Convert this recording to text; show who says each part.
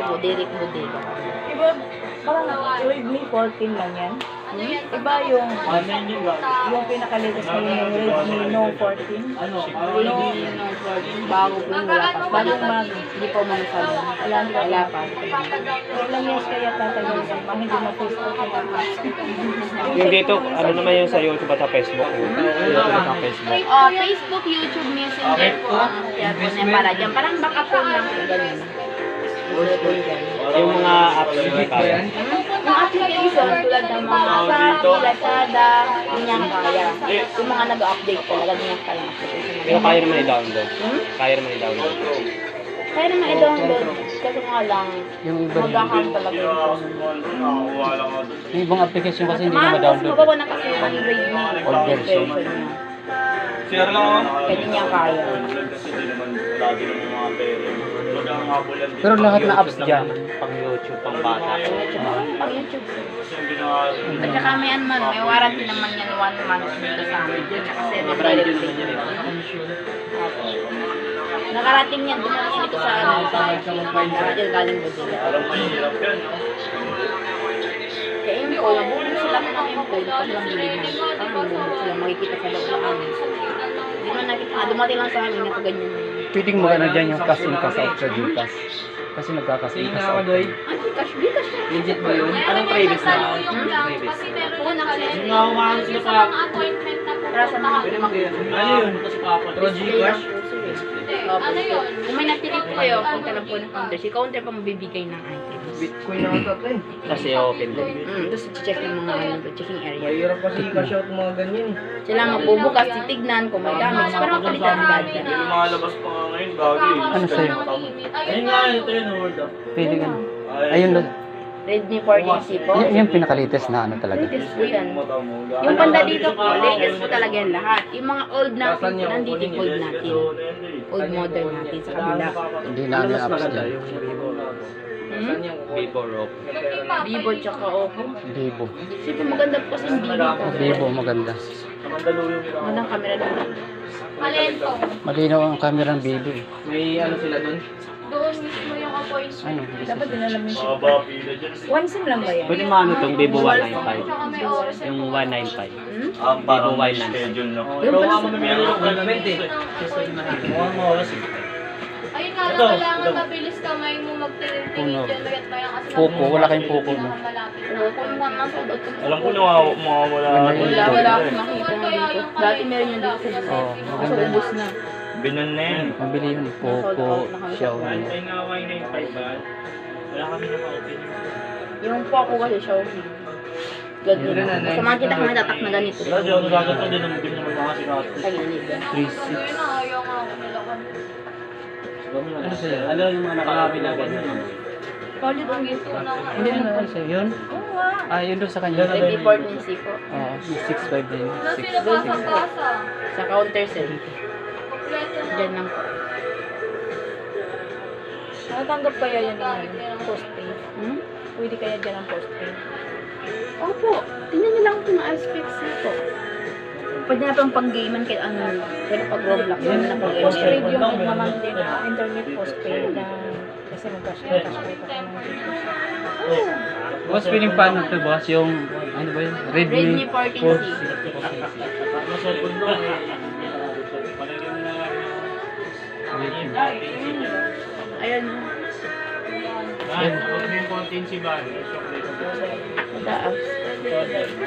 Speaker 1: po, Derek Bodega.
Speaker 2: Iba, parang Redmi 14 lang yan. Iba yung pinaka-latest na yung Redmi Note 14.
Speaker 1: Redmi Note 14, bago po yung wala pa.
Speaker 2: Bagong bago.
Speaker 1: Hindi po masasabi. Wala pa.
Speaker 2: Ilang years kaya tatagal yan, mga hindi ma-face out yung apps.
Speaker 3: Yung dito, ano naman yung sa YouTube at sa Facebook? Sa Facebook.
Speaker 1: Facebook, YouTube, Messenger po ang kaya po na para dyan. Parang backup po lang po ganun.
Speaker 3: Yung mga apps na kaya.
Speaker 1: Yung application tulad ng mga Shopee, Lazada, ganyan kaya. Yung mga nag-update talaga, ganyan kaya ang application.
Speaker 3: Pero kaya naman i-download. Kaya naman i-download.
Speaker 1: Kaya naman i-download, kasi nga lang,
Speaker 4: Yung iba
Speaker 1: mag-account talaga yung phone.
Speaker 4: yung ibang application kasi hindi na
Speaker 1: Mas
Speaker 4: ma-download.
Speaker 1: mababaw na kasi yung Redmi
Speaker 4: Old version.
Speaker 1: niya. Kaya niya kaya.
Speaker 4: Pero lahat na apps dyan,
Speaker 3: Pang YouTube, pang bata.
Speaker 1: Pag YouTube. At saka may may warranty naman yan 1 month dito sa amin. At saka 7 direct pay. Nakarating yan, dumating yan ito sa radyo galing Bodega. Kaya yung po, nabubog sila ng import kasi lang bilhin mo. Parang nabubog sila, makikita sa loob ng amin. Hindi man nakita, dumating lang sa amin, ito ganyan.
Speaker 4: pwedeng magano dyan yung cash in cash out sa Gcash. Kasi nagka-cash in cash out.
Speaker 1: Cash, Gcash na.
Speaker 4: Legit ba yun? Anong previous na?
Speaker 1: Oo, nakasaya.
Speaker 5: Yung sa appointment na po.
Speaker 1: Para sa mga
Speaker 5: Ano yun?
Speaker 4: Through Gcash?
Speaker 1: Ano yun? Kung may natilip po kayo, punta lang po ng counter. Si counter pa mabibigay ng items.
Speaker 4: Bitcoin na ito eh.
Speaker 3: Kasi open din.
Speaker 1: Tapos check ng mga checking area.
Speaker 4: Mahirap kasi i-cash out mga ganyan eh.
Speaker 1: Sila magbubukas, titignan kung may damage para mapalitan agad.
Speaker 5: Lumalabas pa nga ngayon, bago yun.
Speaker 4: Ano sa'yo?
Speaker 5: Ayun nga, ito yun, hold up.
Speaker 4: Pwede ka. Ayun lang.
Speaker 1: Redmi 14C po.
Speaker 4: Yung pinaka-latest na ano talaga.
Speaker 1: Latest po yan. Yung banda dito po, latest po talaga yan lahat. Yung mga old natin, nandito yung old natin. Old model natin sa kabila.
Speaker 4: Hindi na ano yung apps dyan.
Speaker 3: Vivo, Oppo.
Speaker 1: Vivo tsaka Oppo.
Speaker 4: Vivo.
Speaker 1: Sige, maganda po kasi yung Vivo ko.
Speaker 4: Vivo, maganda.
Speaker 1: Magandang camera naman.
Speaker 5: Palento.
Speaker 4: Malinaw ang camera ng Vivo eh.
Speaker 6: May ano sila doon?
Speaker 5: Doon mismo yung appointment.
Speaker 4: Ano?
Speaker 2: Dapat din alam yung
Speaker 5: Baba, pila dyan.
Speaker 2: One SIM lang ba yan?
Speaker 3: Pwede maano itong Vivo 195.
Speaker 5: Tsaka may oras.
Speaker 3: Yung 195.
Speaker 5: Ang
Speaker 3: parang may
Speaker 5: schedule na.
Speaker 1: Yung pala sa
Speaker 5: Meron ako
Speaker 6: Government eh.
Speaker 5: Mukhang oras eh.
Speaker 7: Ayun nga lang, kailangan mabilis kamay mo magtingin-tingin
Speaker 4: Puno.
Speaker 7: dyan. Mayat maya kasi
Speaker 4: Poco, wala kayong Poco, no?
Speaker 7: malapit.
Speaker 1: kung nasa out ko.
Speaker 5: Alam ko na mawawala.
Speaker 1: Wala akong makita na dito. Dati meron yun dito sa
Speaker 4: Oo,
Speaker 1: Kaso
Speaker 4: maganda.
Speaker 1: ubos na.
Speaker 5: Binan na yan.
Speaker 4: Mabili yun. Poco, Xiaomi.
Speaker 5: Ay nga, Y95 ba? Wala kami na ma-open.
Speaker 1: Yung po ako kasi Xiaomi. Ganyan. Sa mga kita kami tatak na ganito.
Speaker 5: Wala dyan, nagkakata din ang bin naman mga sinasabi.
Speaker 1: Sa gilid.
Speaker 4: 3.6.
Speaker 7: Ayun na, ayaw nga ako nila kami.
Speaker 6: Ano sa'yo? Ano yung mga nakakabi na ganyan?
Speaker 1: Solid ang gift ko.
Speaker 4: Hindi na ano sa'yo yun?
Speaker 1: Oo nga.
Speaker 4: Ah, yun doon sa kanya.
Speaker 1: Ready 14C po.
Speaker 4: Oo, yung 6.5 din.
Speaker 7: Wala
Speaker 4: 6.
Speaker 7: sila basa-basa.
Speaker 1: Sa counter sir.
Speaker 7: Kompleto na.
Speaker 1: Diyan lang po.
Speaker 2: Nakatanggap kaya yan ng postpay?
Speaker 1: Hmm?
Speaker 2: Pwede kaya dyan ang postpay?
Speaker 1: Opo. Tingnan niyo lang kung aspects na po. Pwede na pang pang-gamean kahit ano. Pero pag Roblox, yun na pang
Speaker 2: Postpaid yung nagmamantay na internet postpaid na kasi mag-cash na cash pay pa ka ng
Speaker 4: Boss, piling paano ito, boss? Yung, ano ba yun?
Speaker 1: Redmi 14C. Ayun.
Speaker 5: Ay, huwag mo yung content si Bali.
Speaker 1: Taas.